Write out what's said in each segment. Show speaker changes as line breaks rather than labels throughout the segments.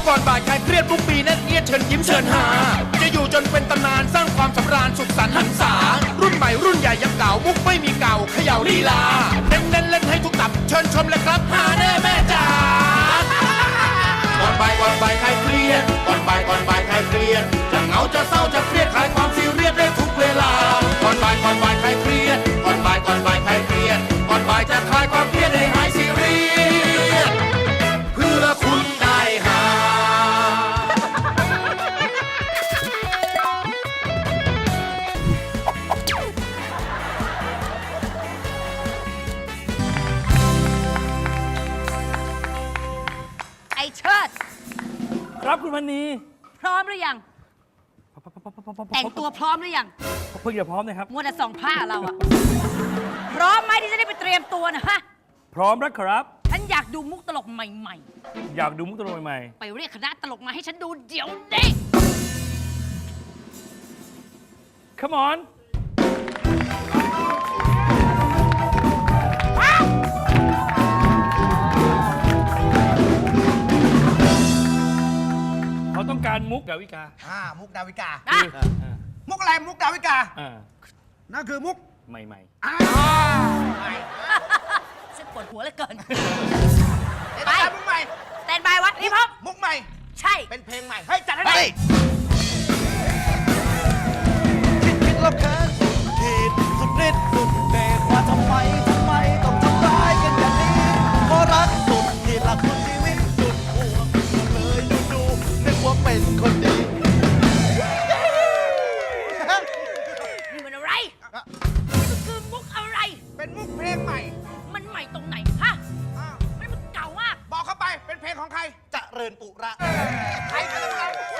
ก่อนบ่ายคลายเครียดทุกปีแน่นเอียดเชิญยิ้มเชิญหาจะอยู่จนเป็นตำนานสร้างความสำราญสุขสันต์หันษารุ่นใหม่รุ่นใหญ่ยังเก่ามุกไม่มีเก่าเขย่าลีลาเน้นเล่นให้ทุกตับเชิญชมเลยครับหาแน่แม่จ๋าก่อนบ่ายคลายเครียดก่อนบ่ายคลายเครียดจะเหงาจะเศร้าจะเครียดคลายความซีเรียสได้ทุกเวลาก่อนบ่ายคลายเครียดก่อนบ่ายคลายเครียดก่อนบ่ายจะคลายความเครียดให้หายซีเรียสเพื่อคุณได้หา
ไอเชิด
ครับคุณพันนี
พร้อมหรือยัง แต่งตัวพร้อมหรือยัง
เพิ่งจะพร้อมนะครับ
มัวแต่ส่องผ้าเราอะพร้อมไหมที่จะได้ไปเตรียมตัวนะฮะ
พร้อมแล้วครับ
ฉันอยากดูมุกตลกใหม่
อยากดูมุกตลกใหม่
ๆ ไปเรียกคณะตลกมาให้ฉันดูเดี๋ยวนี้
ๆ Come on เขาต้องการมุกดาวิกา
มุกดาวิกา
นะ
มุกอะไรมุกดาวิกา
อ่า
นั่นคือมุก
ใหม่
ฉันปวดหัวเหลือเกิน
ไปมุกใหม่
แตนบายวัดนี่พร้อม
มุกใหม่
ใช่
เป็นเพลงใหม่เฮ้ยจัดให้หน่อย
คิดแล้วแค้นสุดขีดสุดฤทธิ์สุดเดชว่าทำไมต้องทำร้ายกันอย่างนี้เพราะรักสุดขีดหลักสุดชีวิตสุดห่วงเลยดูนึกว่าเป็นคนดี
นี่มันอะไรนี่มันคือมุกอะไร
เป็นมุกเพลงใหม่
มันใหม่ตรงไหนฮะ
อ้าว
มันเก่ามาก
บอกเข้าไปเป็นเพลงของใคร
เจริญปุระ
ใครเป็นอะไร
ใช่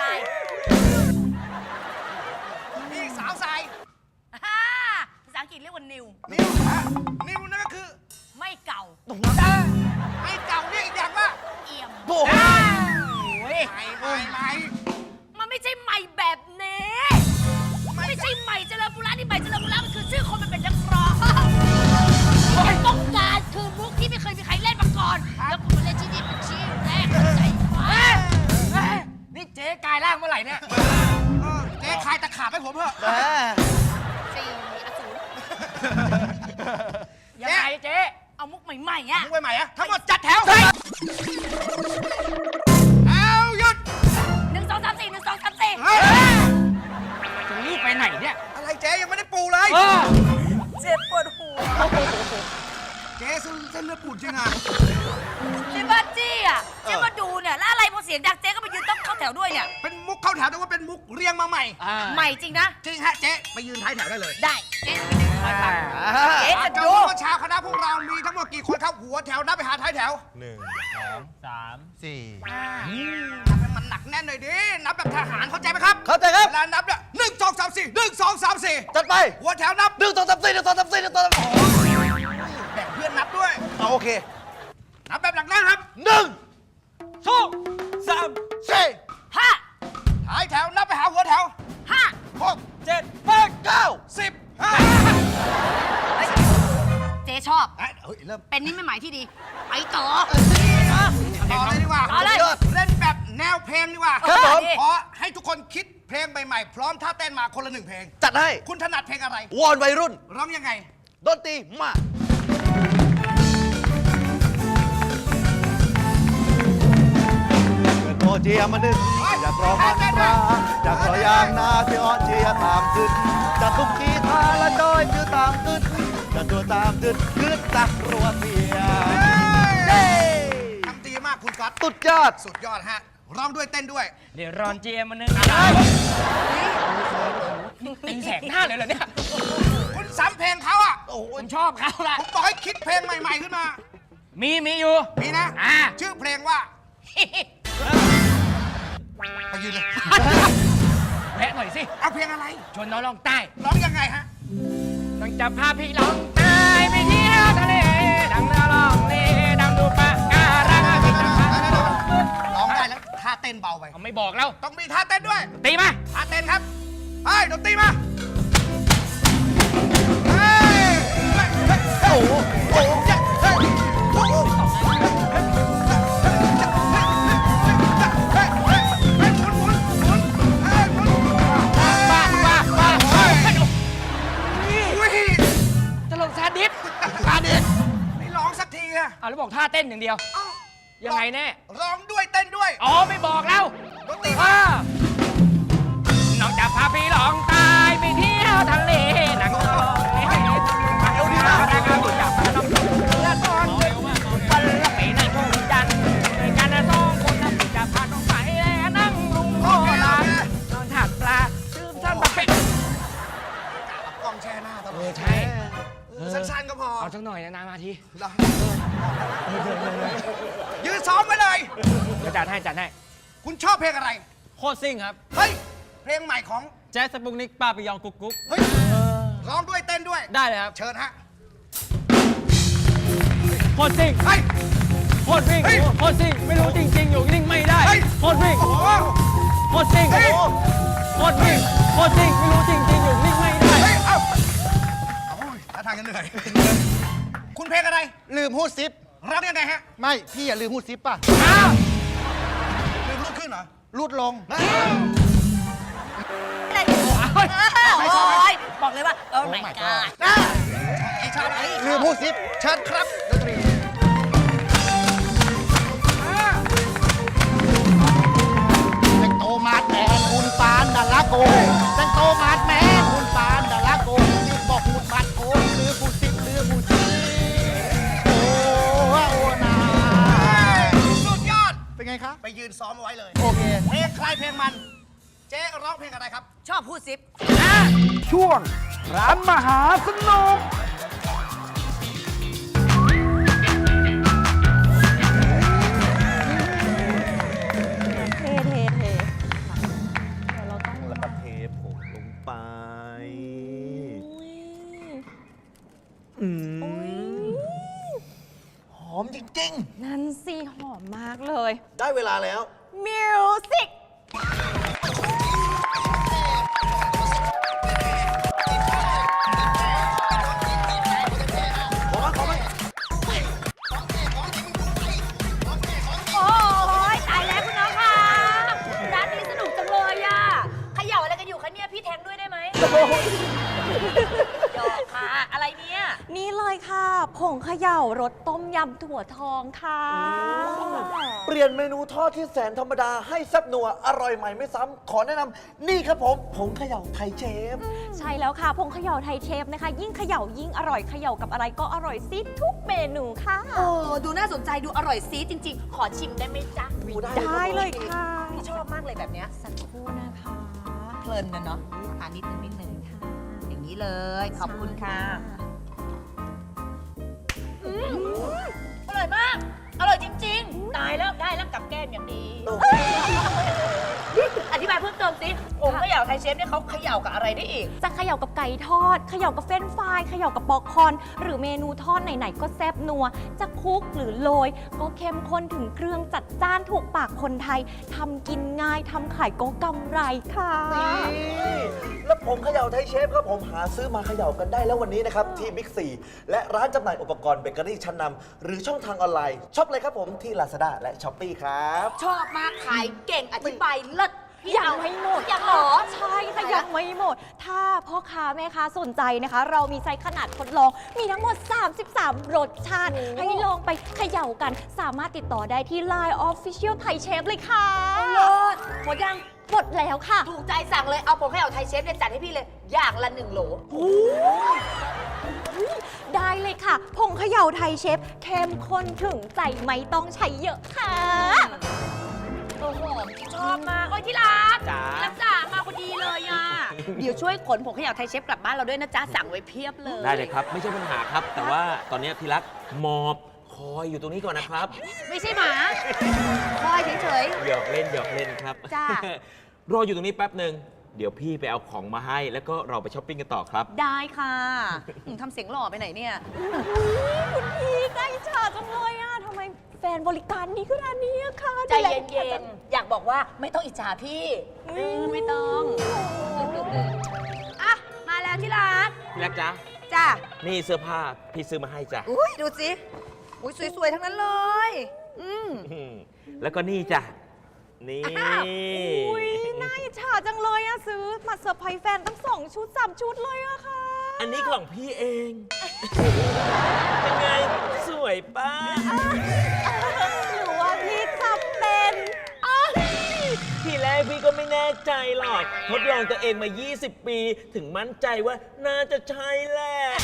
นี่สาวทราย
ฮ่าภาษาอังกฤษเรียกว่านิว
นิวนิวนั่นก็คือ
ไม่เก่า
ไอ้เก่าเนี่ยอีกอย่างว่า
เอี่ยม
โอ้โห
ใหม่
มันไม่ใช่ใหม่แบบนี้ ไม่ใช่ใหม่เจริญปุระนี่ใหม่เจริญปุระมันคือชื่อคนมันเป็นนักร้องที่มันต้องการคือมุกที่ไม่เคยมีใครเล่นมาก่อน แล้วคุณมาเล่นที่นี่เป็นชื่อแรกเข้าใจไหม
นี่เจ๊กายร่างเมื่อไหร่เนี่ยเจ๊คลายตะขาบให้ผมเถอะ
แหม
สี่อสูร
ยังไงเจ๊
เอามุกใหม่ๆอ่ะ
มุกใหม่ๆอะทั้งหมดจัดแถวเอาหยุด
1 2 3 4 1 2 3 4
จะรีบไปไหนเนี่ย อะไรเจ๊ยังไม่ได้ปูเลย
เจ็บปวดหัว
เจ๊เส้นเลือดปูดจริงอ่ะ
เจ๊บ้าจี้อ่ะเจ๊มาดูเนี่ยแล้วอะไรพอเสียงดังเจ๊ก็มายืนต้องเข้าแถวด้วยเนี่ย
เป็นมุกเข้าแถวแต่ว่าเป็นมุกเรียงมาใหม่
ใหม่จริงนะ
จริงฮะเจ๊ไปยืนท้ายแถวได้เลย
ได้เจ๊ไปดึงคอยฟังเจ๊จะ
จะ
ดู
ดูว่าเช้าคณะพวกเรามีทั้งหมดกี่คนครับหัวแถวนับไปหาท้ายแถว
4
นับให้มันหนักแน่นหน่อยดิ นับแบบทหารเข้าใจไหมครับ
เข้าใจครับ
เวลานับเนี่ย1 2 3 4 1 2 3 4
จัดไป
หัวแถวนับ
1 2 3 4 1 2 3 4 1 2 3
แบ่งเพื่อนนับด้วย
เอาโอเค
นับแบบหนักแน่นครับ
1 2 3 4
ห้า
ท้ายแถวนับไปหาหัวแถว
ห้า
6
7 8 9
10
เจ๊ชอบ
เฮ้ยเริ่ม
เป็นนิมิตหมายที่ดี ไปต่อ
ต่อเลยดีกว่า
ต่อเลย
เล่นแบบแนวเพลงดีกว่า
ครับผม
ขอให้ทุกคนคิดเพลงใหม่ๆ พร้อมท่าเต้นมาคนละ1 เพลง
จัดให้
คุณถนัดเพลงอะไร
วอนวัยรุ่น
ร้องยังไง
ดนตรีมาเกิดโมเจียมาดึงอยากรอมันตราอยากรอยางนาที่อ่อนเชียตามขึ้นจะทุกทีทาละจอยคือตามขึ้นจะตัวตามขึ้นขึ้นตักรัวเสียเย้
ทำดีมากคุณก๊อต
สุดยอด
สุดยอดฮะ ร้องด้วยเต้นด้วย
เดี๋ยวรอนเจมานึงตีแสกหน้าเลยเหรอเนี่ย
คุณซ้ำเพลงเขาอ่ะ
โอ้โห
ผมชอบเขาละ
ผมบอกให้คิดเพลงใหม่ๆขึ้นมา
มีอยู่
มีนะ ชื่อเพลงว่าไปยืนเลย
แวะหน่อยสิ
เอาเพลงอะไร
ชวนน้องลองใต้
ร้องยังไงฮะ
ต้องจับพาพี่ลองใต้ไปเที่ยวทะเล ดังนาลองเลดังดูปะการังพี่จับพา
ร้องได้แล้วท่าเต้นเบาไป
เขาไม่บอกแล้ว
ต้องมีท่าเต้นด้วย
ตีมา
ท่าเต้นครับเฮ้ยดนตรีมาเฮ้ยเฮ้ย
โอ้โหโอ้โห
เฮ้ยโอ้โห
ท่าเต้นอย่างเดียว ยังไงแน่
ร้องด้วยเต้นด้วย
อ๋อไม่บอกแล้ว
ดนตรี
นอกจากพาพี่ลองตายไปเที่ยวทะเลหนังตลอดมาเอวดีมากนะการจับมาต้องเรือตอนดึกวันละไปในทุ่งจันทร์ในกันสองคนนะจะพาน้องไปนั่งลุงโคลานอนถัดปลาซื้อสั้นแบบเป็ด
กล้องแช่หน้าตลอด
ใช่
สั้นๆก็พอ
เอาสักหน่อยนะนานมาที
ยืนซ้อมไว้เลย
เดี๋ยวจัดให้จัดให้
คุณชอบเพลงอะไร
โคตรซิ่งครับ
เฮ้ย เพลงใหม่ของ
แจ๊สสปุกนิกป้าปิยองกุ๊กกุ๊ก
เฮ้ย ร้องด้วยเต้นด้วย
ได้เลยครับ
เชิญฮะ
โคตรซิ่ง
เฮ้ย
โคตรวิ่ง
เฮ้ย
โคตรซิ่งไม่รู้จริงๆอยู่นิ่งไม่ได้
เฮ้ย
โคตรวิ่ง
โอ้โห
โคตรซิ่ง
เฮ้ย
โคตรวิ่งโคตรซิ่งไม่รู้จริงๆอยู่นิ่งไม่ได้
เฮ้ย เอ้าโอ้ยท่าทางจะเหนื่อย คุณเพลงอะไร
ลืมหูดซิป
ร้องยังไงฮะ
ไม่ พี่อย่าลืมหูดซิปป่ะ
อ้าว
ลืมลุกขึ้นเหรอ
รูดลง
อะไรโอ้ยบอกเลยว่าโอ้ my god
ไอ้ชาติ
ลืมหูดซิป เชิญครับดนตรีแตงโตมาดแมนคุณปานดาราโกแตงโตมาดแมนคุณปานดาราโกนี่บอกหูดบัดโอนลืมหูดซิปลืมหูดซิปโอ้นา
สุดยอด
เป็นไงคะ
ไปยืนซ้อมเอาไว้เลย
โอเค
เพลงใครเพลงมัน เจ๊ร้องเพลงอะไรครับ
ชอบพูดซิป
ช่วงร้านมหาสนุก
เทเทเทเดี๋ยวเราต้อง
แล้วก็เทผงลงไป
อุ้ย
อืม
อุ้ย
หอมจริง
นั่นสิหอมมากเลย
ๆ ได้เวลาแล้ว
มิวสิก
โอ้ยตายแล้วคุณน้องค่ะร้านนี้สนุกจังเลยอ่ะเขย่าอะไรกันอยู่คะเนี่ยพี่แทงด้วยได้ไหมหยอกค่ะอะไรเนี่ย
นี่เลยค่ะ ผงเขย่ารสต้มยำถั่วทองค่ะ
เปลี่ยนเมนูทอดที่แสนธรรมดาให้แซ่บนัว อร่อยใหม่ไม่ซ้ำ ขอแนะนำนี่ครับผมผงเขย่าไทยเชฟ
ใช่แล้วค่ะ ผงเขย่าไทยเชฟนะคะ ยิ่งเขย่ายิ่งอร่อยเขย่ากับอะไรก็อร่อยซิทุกเมนูค่ะ
โอ้ดูน่าสนใจดูอร่อยซีดจริง ๆ ขอชิมได้ไหมจ๊ะ
ได้เลยค่ะ
พี่ชอบมากเลยแบบเนี้ย
สักครู่นะคะ
เพลินนะเนาะทานนิดนึงอย่างนี้เลย ขอบคุณค่ะอร่อยมาก อร่อยจริง ๆ ตายแล้วได้แล้วกับแก้มอย่างดี อธิบายเพิ่มเติมสิผมเขย่าไทยเชฟเนี่ยเขาเขย่ากับอะไรได้อีก
จะเขย่ากับไก่ทอด เขย่ากับเฟรนช์ฟรายเขย่ากับปอกคอน หรือเมนูทอดไหนๆก็แซ่บนัว จะคลุกหรือโรยก็เข้มข้นถึงเครื่องจัดจ้านถูกปากคนไทยทำกินง่ายทำขายก็กำไรค่ะ
นี่แล้วผงเขย่าไทยเชฟครับผมหาซื้อมาเขย่ากันได้แล้ววันนี้นะครับ ที่บิ๊กซีและร้านจำหน่ายอุปกรณ์เบเกอรี่ชั้นนำหรือช่องทางออนไลน์ช็อปเลยครับผมที่ Lazada และ Shopee ครับ
ชอบมากขายเก่งอธิบายเลิศ
ยังไม่หมด
ยังเหรอ
ใช่ค่ะยังไม่หมด ถ้าพ่อค้าแม่ค้าสนใจนะคะ เรามีไซส์ขนาดทดลอง มีทั้งหมด 33 รสชาติ ให้ลองไปเขย่ากัน สามารถติดต่อได้ที่ Line Official Thai Chef เลยค่ะ
เลิศหมดยัง
หมดแล้วค่ะ
ถูกใจสั่งเลย เอาผมให้เอาไทยเชฟเนี่ยจัดให้พี่เลย อย่างละ1 โหล
ได้เลยค่ะ ผงเขย่าไทยเชฟเข้มข้นถึงใจไม่ต้องใช้เยอะค่ะ
โอ้โหชอบมากโอ้ยที่รัก
จ๋า
รักจ๋ามาพอดีเลยอ่ะ เดี๋ยวช่วยขนผงขยะไทยเชฟกลับบ้านเราด้วยนะจ๊ะ สั่งไว้เพียบเลย
ได้เลยครับ ไม่ใช่ปัญหาครับ แต่ว่าตอนนี้พี่รักหมอบคอยอยู่ตรงนี้ก่อนนะครับ
ไม่ใช่หมาคอยเฉย
หยอกเล่นหยอกเล่นครับ
จ้า
รออยู่ตรงนี้แป๊บหนึ่งเดี๋ยวพี่ไปเอาของมาให้ แล้วก็เราไปช้อปปิ้งกันต่อครับ
ๆ ได้ค่ะทำเสียงหล่อไปไหนเนี่ย
คุณพี่ใจฉาจังเลยอ่ะทำไมแฟนบริการดีขนาดนี้อะค่ะ
ใจเย็นๆ อยากบอกว่าไม่ต้องอิจฉาพี่ไม่ต้องอ่ะมาแล้วที่รัก
พี่รักจ๊ะ
จ้า
นี่เสื้อผ้าพี่ซื้อมาให้จ้ะ
อุ้ยดูสิอุ้ยสวยๆ ทั้งนั้นเลย
แล้วก็นี่จ้ะ นี่
อุ้ยน่าอิจฉาจังเลยอะซื้อมาเซอร์ไพรส์แฟนตั้ง2 ชุด 3 ชุดเลยอะค่ะ
อันนี้ของพี่เอง เป็นไง สวยป้า
หรือว่าพี่ขับเป็นอ้าว
ทีแรกพี่ก็ไม่แน่ใจหรอก ทดลองตัวเองมา 20 ปี ถึงมั่นใจว่าน่าจะใช่แหละ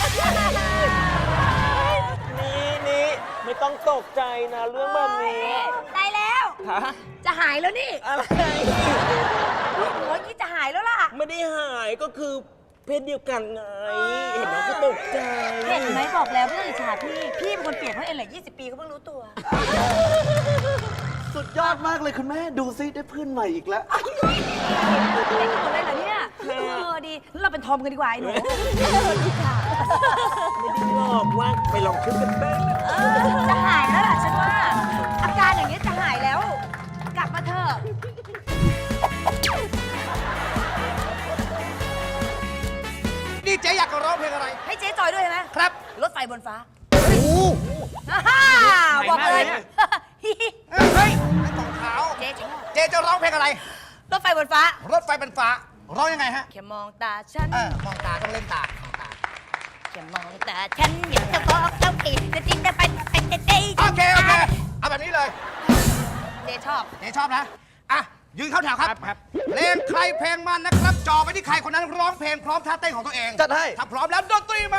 นี่ไม่ต้องตกใจนะเรื่องแบบนี้
ได้แล้ว
ฮะ
จะหายแล้วนี่
อะไร
หัวนี้จะหายแล้วล่ะ
ไม่ได้หายก็คือเพศเดียวกันไง เห็นแล้วก็ตกใจ
เห็นไหมบอกแล้วไม่ต้องอิจฉาพี่ พี่เป็นคนเปลี่ยนเขาเองแหละ20 ปีเขาเพิ่งรู้ตัว
สุดยอดมากเลยคุณแม่ ดูซิได้เพื่อนใหม่อีกแล้ว
ได้กันหมดเลยเหรอเนี่ยดีงั้นเราเป็นทอมกันดีกว่าไอ้หนูดีค่ะ
ไม่ได้หลอกว่าไปลองคิดกันบ้างนะ
จะหายแล้วล่ะฉันว่า อาการอย่างนี้จะหายแล้ว กลับมาเถอะ
นี่เจ๊อยากจะร้องเพลงอะไร
ให้เจ๊จอยด้วยใช่ไหม
ครับ
รถไฟบนฟ้า
โอ้โห
ฮ่าบอกเลย
เฮ้ยไอ้ตองขาว
เจ๊ชอบ
เจ๊จะร้องเพลงอะไร
รถไฟบนฟ้า
รถไฟเป็นฟ้า ร้องยังไงฮะ
แค่มองตาฉัน
มองตาต้องเล่นตามองตา
แค่มองตาฉันอยากจะบอกเจ้าอีกจะจริงจะไปเจ๊
โอเค เอาแบบนี้เลย
เจ๊ชอบ
เจ๊ชอบนะ อ่ะ ยืนเข้าแถวครับ
ครับ
เพลงใครเพลงมันนะครับจ่อไปที่ใครคนนั้นร้องเพลงพร้อมท่าเต้นของตัวเอง
จัดให้
ถ้าพร้อมแล้วดนตรีมา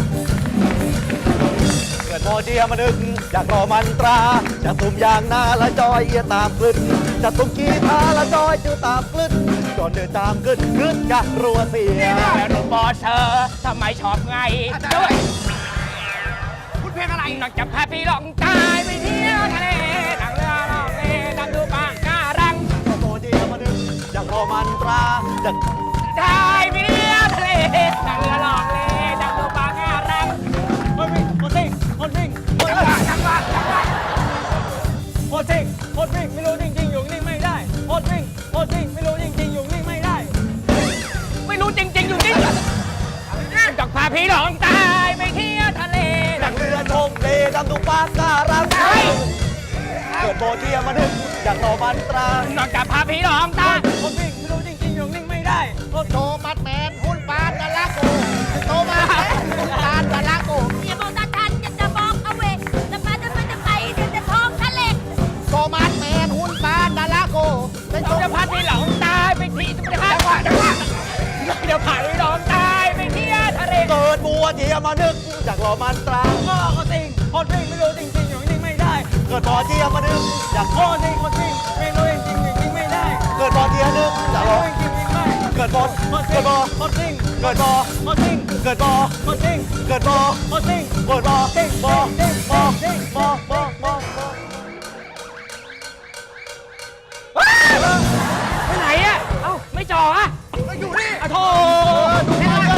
เกิดโมเดียมานึกอยากรอมันตราจะตุ่มยางนาละจอยเอียตามกลึนจะตุ่มกีตาละจอยจือตามกลึนจนเดินตามกลึนกลึนกะรัวเสีย
แล้วหนูบอเธอทำไมชอบไง
อาจารย์
ด้วย
คุณเพลงอะไร
นอกจากพาพี่ลองตายไปเที่ยวทะเลนั่งเรือล่องเลดำดูปางการัง
เกิดโมเดียมานึกอยากรอมันตราจะ
ตายไปเที่ยวทะเลนั่งเรือล่องเลดำดูปางการังคนวิ่งคนซิ่งคนวิ่งคนวิ่ง
จังหวะ
คนซิ่งคนวิ่งไม่รู้จริงๆอยู่นิ่งไม่ได้คนวิ่งคนซิ่งไม่รู้จริงๆอยู่นิ่งไม่ได้ ไม่รู้จริงๆอยู่นิ่งจากพาพี่ลองตายไปเที่ยวทะเล
นั่งเรือชมเลดำดูปางการังเกิดโมเดียมานึกอยากรอมันตรา
นอกจากพาผีหลอกตาคนวิ่งไม่รู้จริงๆอยู่นิ่งไม่ได้คน
โตมัดแมนหุ่นปานดาราโกโตมัดแมนหุ่นปานดาราโก
อย่ามองตาฉันอยากจะบอกเอาเวจะไปเดี๋ยวจะท้องทะเล
โตมัดแมนหุ่นปานดาราโกเป็นโต
จะพาผีหลอกตายไปที่จะพาเดี๋ยวพาผีหลอกตายไปเที่ยวทะเล
เกิดโมเดียมานึกอยากรอมันตรา
ก็คนสิงคนวิ่งไม่รู้จริงๆอยู่นิ่งไม่ได้
เกิดโมเดียมานึกอยาก
คนสิงคนวิ่งไม่รู้จริงๆอยู่นิ่งไม่ได้
เกิดโมเดียนึกอยากรอ
ไม่รู้จริงๆไม่
เกิดโม
คนสิ
เกิ
ง
ดโม
คนสิง
เกิดโม
คนสิง
เกิดโม
คนสิง
เกิดโม
คนสิง
เกิดโม
สิง
โม
สิง
โม
สิง
โมโมโมโม
ไปไหนอ่ะเอ้าไม่จ่ออ่ะ
อยู่นี่
อ่ะโธ่
ดูมาด้วย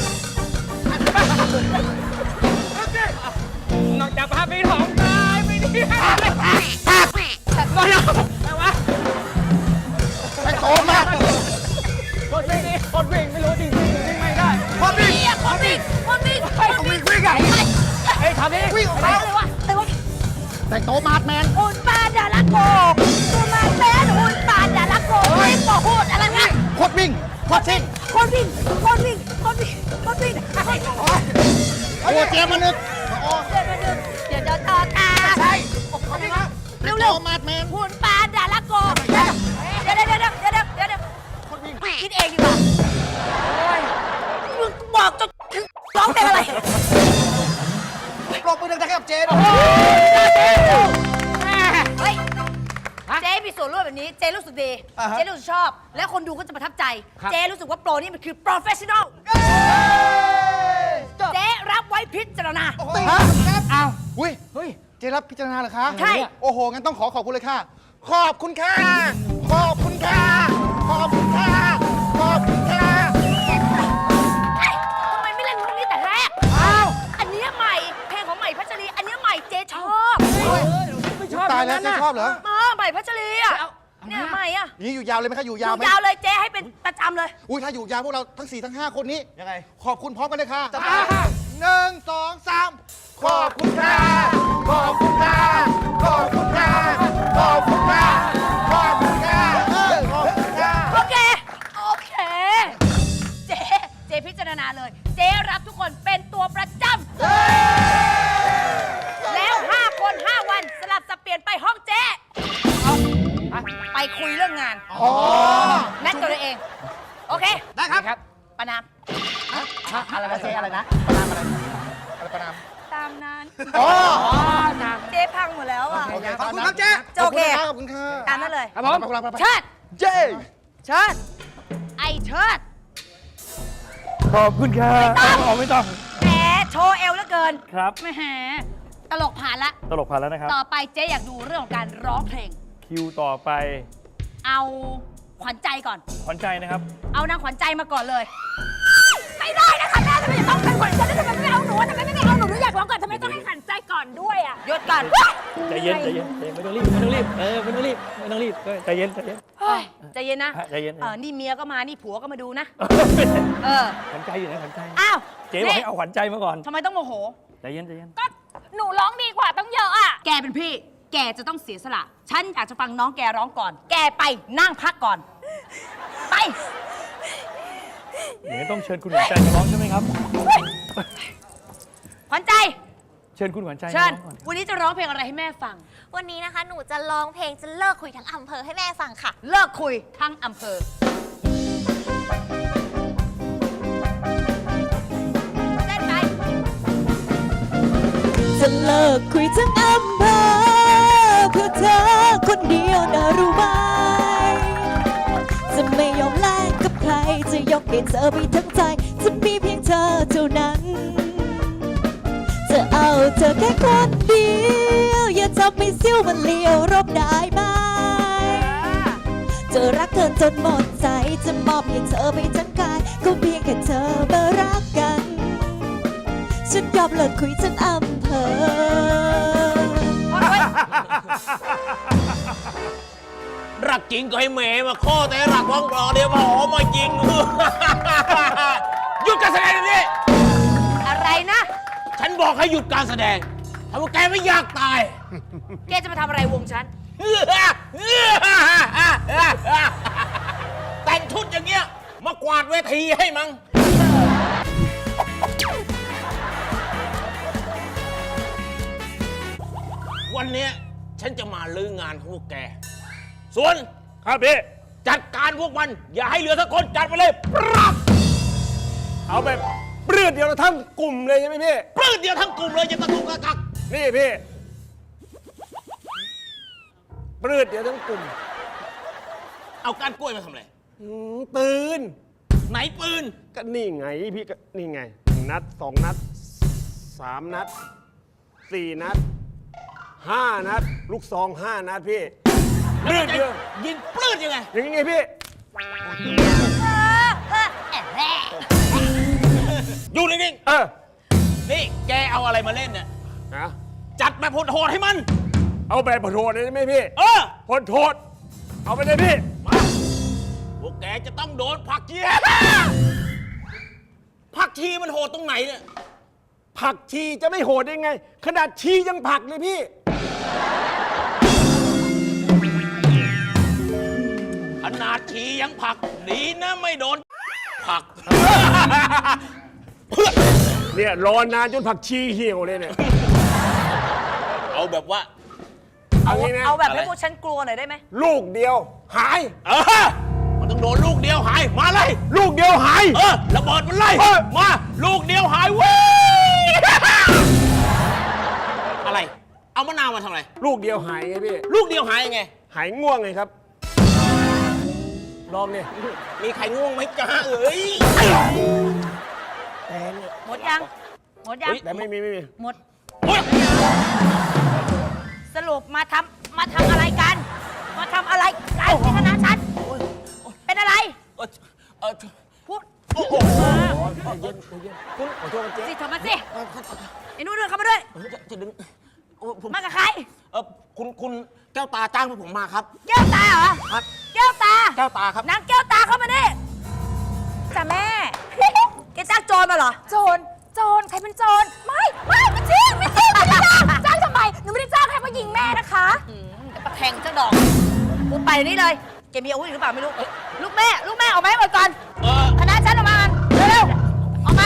นอกจากพาผีหลอกตายไปเที่ยวทะเลก็แล้วแต่ว่า
เป็นโตมัด
คนวิ่งไม่รู้จริงๆวิ่งไม่ได้
คนวิ่ง
คนวิ่ง
วิ่งอ่ะ
เฮ้ยทำดิ
วิ่งออกมา
อะไรวะอะไรวะ
แต่งโตมัดแมน
หุ่นปานดาราโกตัวมาแป้นหุ่นปานดาราโกไม่บอกพูดอะไรวะ
โคตรวิ่งโคตรซิ่ง
คนวิ่งคนวิ่งคนวิ่งคนวิ่ง
โอ้เจียมานึกโอ้
เดี๋ยวต่อตา
ใช่
เร็ว
โต
เร็ว
มัดแมน
หุ่นปานดาราโกเดี๋ยวคิดเองดีกว่ามึงบอกจะร้องเพลงอะไร
ปรบมือดังๆให้กับเจ๊ด้วย
เฮ้ยเจ๊มีส่วนร่วมแบบนี้เจ๊รู้สึกดีเจ๊รู้สึกชอบ และคนดูก็จะประทับใจ เจ๊รู้สึกว่าโปรนี่มันคือ professional เจ๊รับไว้พิจารณา
อ้าวอุ้ยเฮ้ย เจรับพิจารณาเหรอคะ
ใช่
โอ้โห งั้นต้องขอบคุณเลยค่ะ ขอบคุณค่ะ ขอบคุณค่ะ ขอบคุณค่ะ ขอบคุณค่ะ
ทำไมไม่เล่นเพลงนี้แต่แรก อ้าว อันเนี้ยใหม่ เพลงของใหม่พัชรี อันเนี้ยใหม่เจ๊ชอบ
ไม่ชอบ
ตายแล้วเจ๊ชอบเหรอ
มาใหม่พัชรีอ่ะ เนี่ยใหม่อ่ะ
นี่อยู่ยาวเลยไหมคะ อยู่าว
อยยู่
ไหม
ยาวเลยเจ๊ให้เป็นประจำเลย
อุ้ยถ้าอยู่ยาวพวกเราทั้ง 4 ทั้ง 5 คนนี้
ยังไง
ขอบคุณพร้อมกันเลยค่ะ
จัดไป
1 2 3 ขอบคุณค่ะ ขอบคุณค่ะ ขอบคุณค่ะ ขอบคุณค่ะ ขอบคุณค่ะ ขอบคุณค่ะ
โอเค โอเค เจ๊พิจารณาาเลย เจ๊รับทุกคนเป็นตัวประจำแล้ว 5 คน 5 วันสลับสับเปลี่ยนไปห้องเจ๊ไปคุยเรื่องงานนัดกันเลยเอง โอเค
ได้ครับ
ประนาม
อะไรนะเจ๊อะไรนะประนามอะไรประนาม
ตามนั้น
อ๋อ
เจ๊พังหมดแล้วอ่ะ
ขอบคุณครับเจ๊
จะโอเค
ขอบคุณค่ะ
ตามนั้นเลย
ครับผม
เชิด
เจ้
เชิดไอเชิด
ขอบคุณครับไม่ต้อง
แหมโชว์เอวเหลือเกิน
ครับ
แหมตลกผ่านละ
ตลกผ่านแล้วนะครับ
ต่อไปเจ๊อยากดูเรื่องของการร้องเพลง
คิวต่อไป
เอาขวัญใจก่อน
ขวัญใจนะครับ
เอานางขวัญใจมาก่อนเลย ไม่ได้นะคะแม่ทำไมจะต้องเป็นขวัญใจทำไมไม่เอาหนูทำไมไม่เอาหนูหนูอยากร้องก่อนทำไมต้องให้ขวัญใจก่อนด้วยอ่ะหยุดก่อน
ใจเย็นใจเย็นไม่ต้องรีบไม่ต้องรีบไม่ต้องรีบไม่ต้องรีบใจเย็นใจเย็น
เฮ้ยใจเย็นนะ
ใจเย็น
นี่เมียก็มานี่ผัวก็มาดูนะ
ขวัญใจอยู่ไหนขวัญใจ
อ้าว
เจ๊บอกให้เอาขวัญใจมาก่อน
ทำไมต้องโมโห
ใจเย็นใจเย็น
ก็หนูร้องดีกว่าต้องเยอะอ่ะแกเป็นพี่ แกจะต้องเสียสละฉันอยากจะฟังน้องแกร้องก่อน แกไปนั่งพักก่อน ไป
เดี๋ยวต้องเชิญคุณขวัญใจมาร้องใช่ไหมครับ
ขวัญใจ
เชิญคุณขวัญใจมา
เชิญ
ร้องก่อน
วันนี้จะร้องเพลงอะไรให้แม่ฟัง
วันนี้นะคะ หนูจะร้องเพลงจะเลิกคุยทั้งอำเภอให้แม่ฟังค่ะ
เลิกคุยทั้งอำเภอเล่นไป
จะเลิกคุยทั้งอำเภอเพื่อเธอคนเดียวนะรู้ไหมจะไม่ยอมแลกกับใครจะยกให้เธอไปทั้งใจจะมีเพียงเธอเท่านั้น จะเอาเธอแค่คนเดียวอย่าทำให้ซิ้วมันเลี้ยวรบได้ไหมจะรักเธอจนหมดใจจะมอบให้เธอไปทั้งกายก็เพียงแค่เธอมารักกันฉันยอมเลิกคุยทั้งอำเภอ
รักจริงก็ให้แหมมาข้อแต่รักว่างรอเดี๋ยวมาหอมายิง หยุดการแสดงเดี๋ยวนี้
อะไรนะ
ฉันบอกให้หยุดการแสดงถ้าว่าแกไม่อยากตาย
แกจะมาทำอะไรวงฉัน
แต่งชุดอย่างเงี้ยมากวาดเวทีให้มั้งวันเนี้ยฉันจะมาลื้องานของพวกแก ส่วน
ครับพี่
จัดการพวกมัน อย่าให้เหลือสักคนจัดไปเลยปรับ
เอาแบบเปลือดเดียวทั้งกลุ่มเลยใช่ไหมพี่
ปลื้ดเดียวทั้งกลุ่มเลยอย่าตะกุกตะกัก
นี่พี่เปลือดเดียวทั้งกลุ่ม
เอาก้านกล้วยมาทำอะไร
ปืน
ไหนปืน
ก็นี่ไงพี่ก็นี่ไง1 นัด 2 นัด 3 นัด 4 นัด 5 นัด ลูกซอง 5 นัดพี่เลือดเดียว
ยิงปลื้ดยังไง
อย่างไงพี่
อยู่นิ่ง ๆ นี่แกเอาอะไรมาเล่นเนี่ย
นะ
จัดแบบโหดๆให้มัน
เอาแบบโหดเลยได้ไหมพี่ โหดเอาไปเลยพี่
มาพวกแกจะต้องโดนผักชีผักชีมันโหดตรงไหนเนี่ย
ผักชีจะไม่โหดได้ไง ขนาดชียังผักเลยพี่
ขนาดชียังผักดีนะไม่โดนผัก
เนี่ยรอนานจนผักชีเหี่ยวเลยเนี่ย
เอาแบบว่า
เอางี้นะ
เอาแบบให้พวกฉันกลัวหน่อยได้ไหม
ลูกเดียวหาย
มันต้องโดนลูกเดียวหาย มาเลย
ลูกเดียวหาย
ระเบิดมันไล่ มา ลูกเดียวหายเว้ย อะไร เอามะนาวมาทำอะไร
ลูกเดียวหายไงพี่
ลูกเดียวหายยังไง
หายง่วงไงครับ ลองเนี่ย
มีใครง่วงไหมจ้าเอ้ย
หมดยัง หมดยัง
แต่ไม่มี
หมด
โอ๊ย
สรุปมาทำอะไรกัน มาทำอะไรกันที่คณะฉัน เป็นอะไร พูด
โอ้โห
เย็นคุณขอโทษเจ๊
สิทำมาสิไอ้นู่นเดินเข้ามาด้วย
จะดึงโอ้ผม
มากับใคร
คุณแก้วตาจ้างพวกผมมาครับ
แก้วตาเหรอ
ครับ
แก้วตา
แก้วตาครับ
นางแก้วตาเข้ามาดิจ้ะแม่ แกจ้างโจรมาเหรอ โจร ใครเป็นโจร ไม่จริงไม่ได้จ้างทำไม หนูไม่ได้จ้างใครมายิงแม่นะคะจะประแทงเจ้าดอกกูไปเดี๋ยวนี้เลย แกมีอาวุธหรือเปล่าไม่รู้ ลูกแม่ออกมาให้หมดก่อน คณะฉันออกมากันเร็วๆออกมา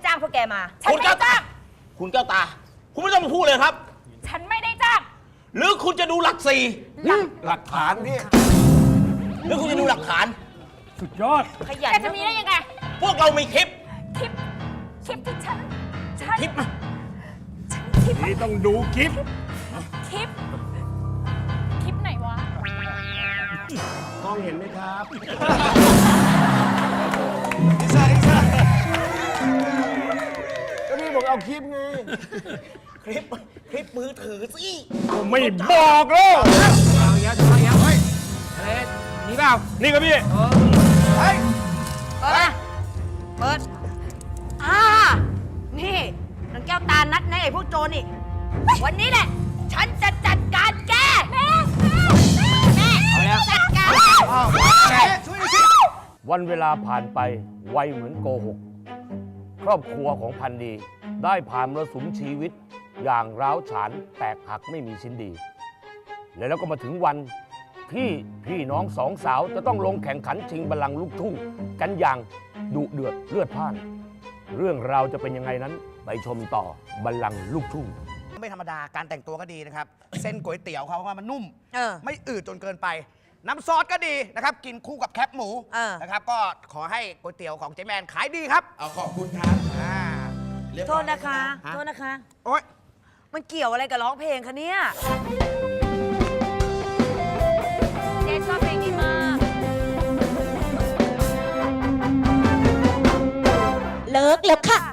จ้างพวกแกมา ฉัน
คุณ
ไม่
แก้
ได้
วตา
จ้าง
คุณแก้วตา คุณไม่ต้องมาพูดเลยครับ
ฉันไม่ได้จ้าง
หรือคุณจะดูหลักสี่
หลักฐานพี่
หรือคุณจะดูหลักฐาน
สุดยอด
ขยันแกจะมีได้ยังไง
พวกเรามีคลิป
คลิปที่ฉัน
คลิปมา
คลิป
นี่ต้องดูคลิป
คลิปไหนวะ
กล้องเห็นไหมครับ ก็นี่บอกเอาคลิปไง
คลิปมือถือสิ
ผมไม่บอกแล้ว
เอาเยอะเอาเยอะเฮ้ยอะไรนี่เปล่า
นี่ครับพี่
เฮ้ย
เปิดมาเปิดนี่นางแก้วตานัดนะไอ้พวกโจรนี่ วันนี้แหละ ฉันจะจัดการแก แม่จัดการ
ช่วยหน่อยสิ
วันเวลาผ่านไปไวเหมือนโกหก ครอบครัวของพันดี ได้ผ่านมรสุมชีวิต อย่างร้าวฉานแตกหักไม่มีชิ้นดี แล้วก็มาถึงวันที่พี่น้องสองสาวจะต้องลงแข่งขันชิงบัลลังก์ลูกทุ่ง กันอย่างดุเดือดเลือดพล่าน เรื่องราวจะเป็นยังไงนั้นไปชมต่อบัลลังก์ลูกทุ่ง
ไม่ธรรมดาการแต่งตัวก็ดีนะครับ เส้นก๋วยเตี๋ยวเขาว่ามันนุ่ม ไม่อืดจนเกินไป น้ำซอสก็ดีนะครับ กินคู่กับแคบหมูนะครับ ก็ขอให้ก๋วยเตี๋ยวของเจ๊แมนขายดีครับ
เอาขอบคุณครับ
โทษนะคะ โทษนะคะ
โอ๊ย
มันเกี่ยวอะไรกับร้องเพลงคะเนี่ย เจ๊ชอบเพลงนี้มาก
เลิกแล้วค่ะ